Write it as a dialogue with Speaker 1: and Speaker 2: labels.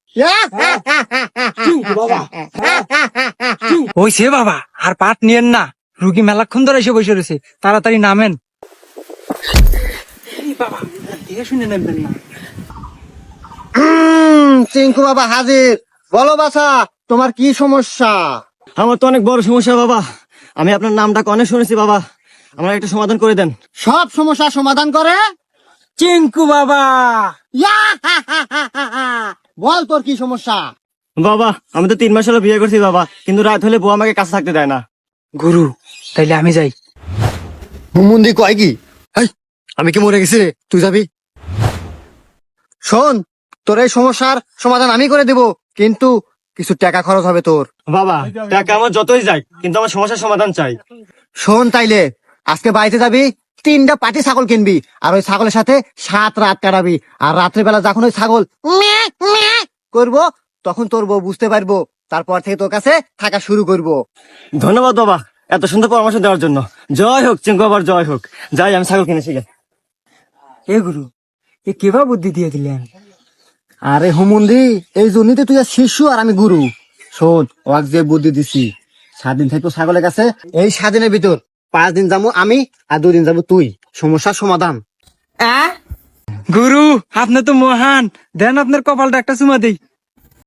Speaker 1: ওইছে বাবা, আর পাট নিয়েন না, রুগী মেলাক্ষণ ধরে এসে বসে রয়েছে, তাড়াতাড়ি নামেন। বাবা দেখে শুনে নামবেন না।
Speaker 2: চিঙ্কু বাবা হাজির। বলো বাছা, তোমার কি সমস্যা?
Speaker 3: আমার তো অনেক বড় সমস্যা বাবা, আমি আপনার নামটা অনেক শুনেছি বাবা, আমার একটা সমাধান করে দেন।
Speaker 2: সব সমস্যা সমাধান করে
Speaker 1: চিঙ্কু বাবা।
Speaker 2: বল তোর কি সমস্যা?
Speaker 3: বাবা আমি তো 3 মাস হলো বিয়ে করছি বাবা, কিন্তু রাত হলে বউ আমাকে কাছে থাকতে দেয় না।
Speaker 1: গুরু, তাইলে আমি যাই।
Speaker 2: হুমুন্দি কয় কি? হেই, আমি কি মরে গেছি রে? তুই যাবি? শোন, তোর এই সমস্যার সমাধান আমি করে দেব, কিন্তু কিছু টাকা খরচ হবে তোর।
Speaker 3: বাবা টাকা আমার যতই যায়, কিন্তু আমার সমস্যার সমাধান চাই।
Speaker 2: শোন তাইলে, আজকে বাড়িতে যাবি, 3টা পাটি ছাগল কিনবি, আর ওই ছাগলের সাথে 7 রাত কাটাবি, আর রাত্রে বেলা যখন ওই ছাগল ম্যাঁ, ম্যাঁ করবো, তখন তোর বউ বুঝতে পারবো, তারপর থেকে তোর কাছে থাকা শুরু করবো।
Speaker 3: ধন্যবাদ বাবা এত সুন্দর পরামর্শ দেওয়ার জন্য। জয় হোক চিঙ্কু বাবার, জয় হোক। যাই আমি ছাগল কিনেছি গে।
Speaker 1: এ গুরু, এ কেবা বুদ্ধি দিয়ে দিলেন?
Speaker 2: আরে হুমুন্দি, এই জন্যই তো তুই আর শিশু আর আমি গুরু। শোন, ওয়াক যে বুদ্ধি দিছি, 7 দিন থাকবো ছাগলের কাছে, এই 7 দিনের ভিতর 5 দিন যাবো আমি, আর 2 দিন যাবো তুই। সমস্যার সমাধান।
Speaker 1: গুরু, আপনি তো মহান, দেন আপনার কপালটা একটা চুমা দেই।